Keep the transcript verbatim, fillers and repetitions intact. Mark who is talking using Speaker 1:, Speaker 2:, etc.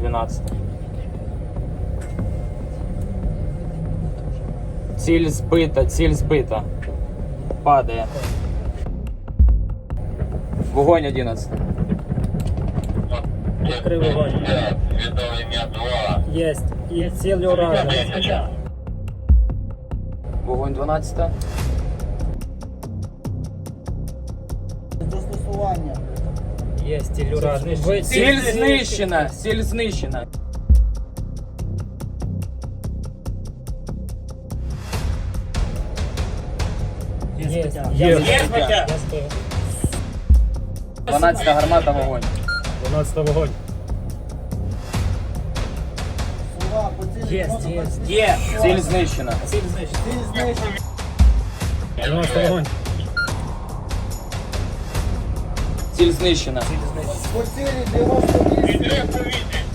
Speaker 1: двенадцать. Ціль збита, ціль збита. Падає. Вогонь одинадцять.
Speaker 2: Відкрив вогонь. Єсть. І ціль уражена.
Speaker 1: Вогонь дванадцять.
Speaker 3: Застосування.
Speaker 2: Єсть, ціль уражена. Ви-
Speaker 1: Ціль знищена, ціль знищена.
Speaker 2: Єсть.
Speaker 3: Є.
Speaker 2: Я
Speaker 1: Є.
Speaker 2: збив.
Speaker 1: Є.
Speaker 2: Я збив.
Speaker 1: дванадцята гармата, вогонь.
Speaker 2: дванадцятий вогонь.
Speaker 3: Слова, по цілі
Speaker 2: Єсть,
Speaker 3: можна
Speaker 2: єсть.
Speaker 3: працювати.
Speaker 1: Є. Ціль знищена.
Speaker 2: Ціль знищена.
Speaker 3: Ціль знищена.
Speaker 2: дванадцятий вогонь.
Speaker 1: Ціль знищена.
Speaker 2: Ціль знищена.
Speaker 3: По цілі дев'яносто вісім.